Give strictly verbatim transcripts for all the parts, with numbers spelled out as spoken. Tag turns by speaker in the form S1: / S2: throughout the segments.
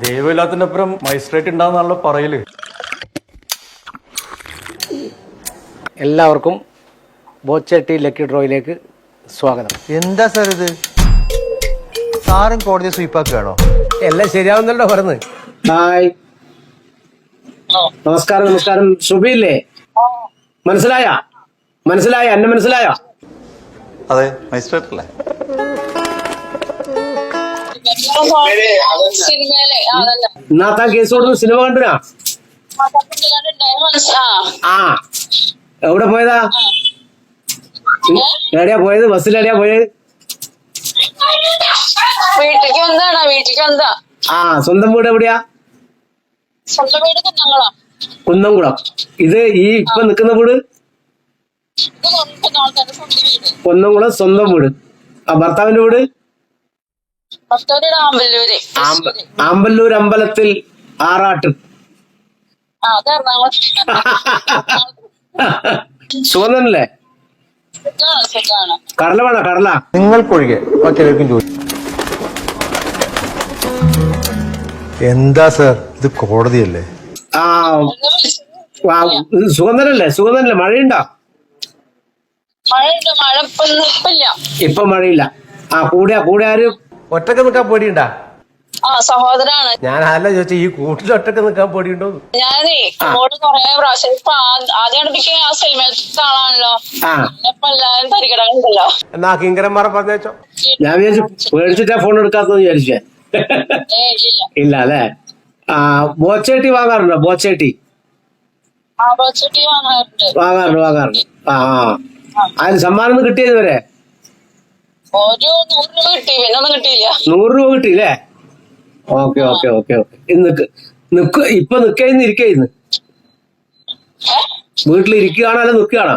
S1: ദൈവമില്ലാത്തിന്റെ അപ്പുറം മജിസ്ട്രേറ്റ് ഉണ്ടാവുന്നാണല്ലോ പറയല്.
S2: എല്ലാവർക്കും ബോച്ചട്ടി ലക്കി ഡ്രോയിലേക്ക് സ്വാഗതം.
S3: എന്താ സാർ ഇത്? സാറും കോടതി സ്വീപ്പാക്കുകയാണോ?
S2: എല്ലാം ശരിയാവുന്നല്ലോ പറഞ്ഞ്. ഹായ്, നമസ്കാരം. നമസ്കാരം. സുബിയില്ലേ? മനസ്സിലായ മനസ്സിലായ എന്നെ മനസ്സിലായോ?
S4: അതെ, മജിസ്ട്രേറ്റ് അല്ലേ?
S2: ഇന്നാത്താ കേസ് കൊടുത്ത് സിനിമ കണ്ടുനാ? ആ, എവിടെ പോയതാ? എവിടെയാ പോയത്? ബസ്സിലെവിടെയാ പോയത്?
S5: വീട്ടിലേക്ക് വന്നതാണോ? വീട്ടിലേക്ക് വന്നതാ.
S2: ആ, സ്വന്തം വീട് എവിടെയാ?
S5: സ്വന്തം വീട് കുന്നംകുളം.
S2: കുന്നംകുളം. ഇത് ഈ ഇപ്പൊ നിക്കുന്ന വീട് കുന്നംകുളം സ്വന്തം വീട്. ആ, ഭർത്താവിന്റെ വീട്
S5: ആമ്പല്ലൂര്.
S2: ആമ്പല്ലൂർ അമ്പലത്തിൽ ആറാട്ട്. സുഗന്ധനല്ലേ? കടല വേണോ? കടല
S3: നിങ്ങൾക്കൊഴികെ മറ്റേവർക്കും ചോദിച്ചു. എന്താ സാർ ഇത്? കോടതിയല്ലേ?
S2: ആ, സുഗന്ധനല്ലേ? സുഗന്ധനല്ലേ? മഴയുണ്ടോ?
S5: മഴയുണ്ട്. മഴ ഇപ്പില്ല.
S2: ഇപ്പൊ മഴയില്ല. ആ, കൂടെ കൂടെ ആരും ഒറ്റക്ക് നിൽക്കാൻ പേടിയുണ്ടാ?
S5: ആ, സഹോദരാണ്.
S2: ഞാൻ ആരല്ല ചോദിച്ചാ ഈ കൂട്ടിൽ ഒറ്റക്ക് നിൽക്കാൻ പേടിയുണ്ടോ?
S5: ഞാനേ അങ്ങോട്ട് കൊറേ പ്രാവശ്യം ഇപ്പൊ ആദ്യം അടുപ്പിക്കാൻ ആ സിനിമയിലത്തെ ആളാണല്ലോ. ഇപ്പൊ എല്ലാരും തരികടകളുണ്ടല്ലോ.
S2: എന്നാ കിങ്കരന്മാരെ പറഞ്ഞോ. ഞാൻ വിചാരിച്ചു പേടിച്ചിട്ടാ ഫോൺ എടുക്കാത്തെന്ന് വിചാരിച്ചേ. ഇല്ല അല്ലേ? ആ, ബോച്ചേട്ടി വാങ്ങാറുണ്ടോ? ബോച്ചേട്ടി വാങ്ങാറുണ്ട് വാങ്ങാറുണ്ട് ആ ആ അതിന് സമ്മാനം കിട്ടിയത് വരെ
S5: ഒരു നൂറ് രൂപ കിട്ടി. പിന്നെ ഒന്നും കിട്ടിയില്ല.
S2: നൂറ് രൂപ കിട്ടിയില്ലേ? Okay okay okay okay. നിക്ക് നിക്ക് ഇപ്പൊ നിക്കയിന്ന് ഇരിക്കയിന്ന് വീട്ടിൽ ഇരിക്കുകയാണോ അല്ല നിക്കുകയാണോ?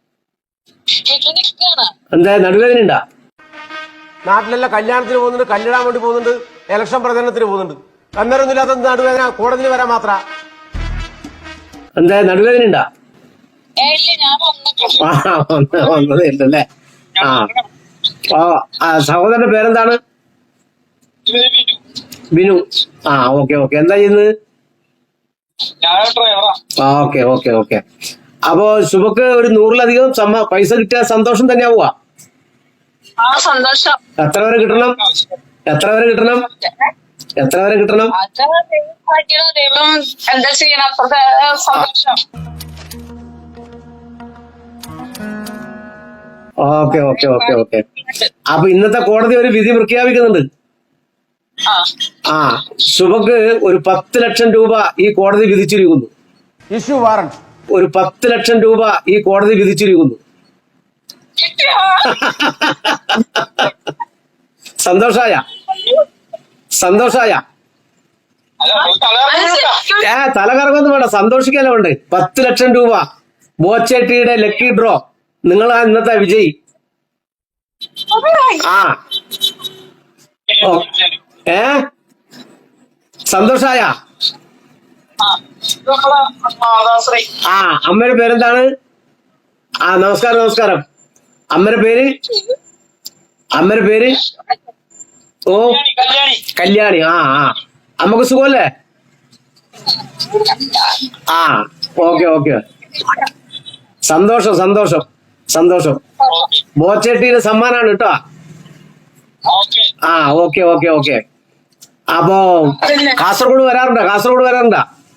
S2: എന്താ നടുവേദന ഉണ്ടാ? നാട്ടിലെല്ലാം കല്യാണത്തിന് പോകുന്നുണ്ട്, കല്യാണം വേണ്ടി പോകുന്നുണ്ട്, ഇലക്ഷൻ പ്രചരണത്തിന് പോകുന്നുണ്ട്. അന്നേരമൊന്നും ഇല്ലാത്ത നടുവേദന കോടതിയിൽ വരാൻ മാത്ര. എന്താ നടുവേദന ഉണ്ടാ? വന്നതേ ഇല്ലല്ലേ? ആ ആ, സഹോദരന്റെ പേരെന്താണ്? ബിനു. ആ, ഓക്കെ ഓക്കെ. എന്താ ചെയ്യുന്നത്? ആ, ഓക്കെ ഓക്കെ ഓക്കെ. അപ്പൊ ശുഭക്ക് ഒരു നൂറിലധികം സമ്മ പൈസ കിട്ടിയ സന്തോഷം തന്നെയാവുക.
S5: സന്തോഷം.
S2: എത്ര വരെ കിട്ടണം? എത്ര വരെ കിട്ടണം? എത്ര വരെ കിട്ടണം?
S5: ദൈവം എന്താ ചെയ്യണം? അപ്പുറത്തെ സന്തോഷം.
S2: Okay okay okay okay. അപ്പൊ ഇന്നത്തെ കോടതി ഒരു വിധി പ്രഖ്യാപിക്കുന്നുണ്ട്. ആ, ശുഭക്ക് ഒരു പത്ത് ലക്ഷം രൂപ ഈ കോടതി വിധിച്ചിരിക്കുന്നു. Issue warrant. ഒരു പത്ത് ലക്ഷം രൂപ ഈ കോടതി വിധിച്ചിരിക്കുന്നു. സന്തോഷായ? സന്തോഷായ? ഏ, തല കറങ്ങൊന്നും വേണ്ട, സന്തോഷിക്കല്ലോ ഉണ്ട്. പത്ത് ലക്ഷം രൂപ ബോച്ചേട്ടിയുടെ ലക്കി ഡ്രോ. നിങ്ങളാ ഇന്നത്തെ വിജയി. ആ, ഏ, സന്തോഷായ? ആ, അമ്മയുടെ പേരെന്താണ്? ആ, നമസ്കാരം നമസ്കാരം. അമ്മയുടെ പേര്? അമ്മയുടെ പേര്? ഓ, കല്യാണി. ആ ആ, അമ്മക്ക് സുഖമല്ലേ? ആ, ഓക്കെ ഓക്കെ. സന്തോഷം സന്തോഷം സന്തോഷം. ബോച്ചേട്ടിയുടെ സമ്മാനാണ് കേട്ടോ. ആ, ഓക്കെ ഓക്കെ ഓക്കെ. അപ്പോ കാസർഗോഡ് വരാറുണ്ടോ? കാസർഗോഡ് വരാറുണ്ടോ?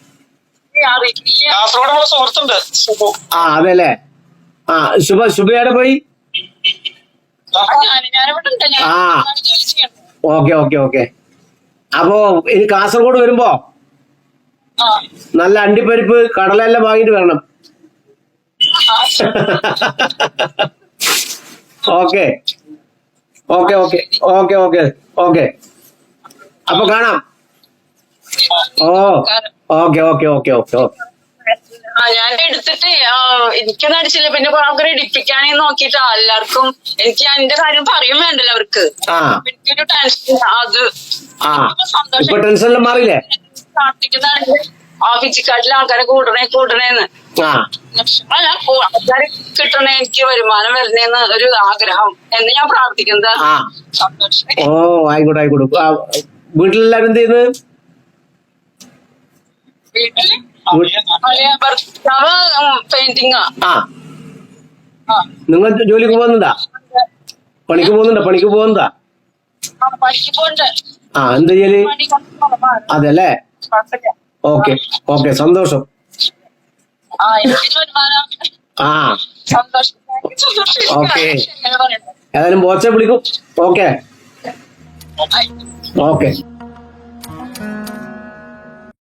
S2: ആ, അതെല്ലേ. ആ, ശുഭ ശുഭയുടെ പോയി. ആ, ഓക്കെ ഓക്കെ ഓക്കെ. അപ്പോ ഇനി കാസർഗോഡ് വരുമ്പോ നല്ല അണ്ടിപ്പരിപ്പ് കടലെല്ലാം വാങ്ങിട്ട് വരണം. Okay okay okay okay okay okay. അപ്പൊ കാണാം. ഓ, okay okay okay okay okay.
S5: ആ, ഞാൻ എടുത്തിട്ട് എനിക്കൊന്നും അടിച്ചില്ല. പിന്നെ ആൾക്കാരെ ഇടിപ്പിക്കാനേ നോക്കിട്ടാ എല്ലാവർക്കും. എനിക്ക് എന്റെ കാര്യം പറയും വേണ്ടല്ലോ അവർക്ക്. എനിക്കൊരു ടെൻഷൻ. അത്
S2: സന്തോഷം. ടെൻഷനെല്ലാം മാറിയില്ലേ?
S5: പ്രാർത്ഥിക്കുന്നതാണ് ആ ഫിജിക്കാട്ടിലെ ആൾക്കാരെ കൂട്ടണേ കൂട്ടണേന്ന്. അല്ല, ആൾക്കാരെ കിട്ടണേ, എനിക്ക് വരുമാനം വരണേന്ന് ഒരു ആഗ്രഹം എന്ന് ഞാൻ പ്രാർത്ഥിക്കുന്നത്.
S2: ഓ, ആയിക്കോട്ടെ ആയിക്കോട്ടെ. വീട്ടിലെല്ലാരും എന്ത് ചെയ്യുന്നത്?
S5: വീട്ടില് അളിയ ഭർത്താവ് പെയിന്റിങ്ങാ.
S2: ആ
S5: ആ
S2: നിങ്ങൾ ജോലിക്ക് പോകുന്നുണ്ടാ? പണിക്ക് പോകുന്നുണ്ടോ? പണിക്ക് പോകുന്നതാ?
S5: ആ, പണിക്ക് പോണ്ട്.
S2: ആ എന്താ ചെയ്യല്?
S5: പണി കുറവാണ്.
S2: അതല്ലേ.
S5: കുഴപ്പമില്ല.
S2: ഓക്കെ ഓക്കെ, സന്തോഷം.
S5: ആ എനിക്ക് വരുമാനം
S2: ആ
S5: സന്തോഷം.
S2: ഓക്കേ.
S5: എങ്ങനെ പറയട്ടെ.
S2: ഏതായാലും ബോച്ചെ വിളിക്കും. ഓക്കെ
S5: ആയി.
S2: ഓക്കെ.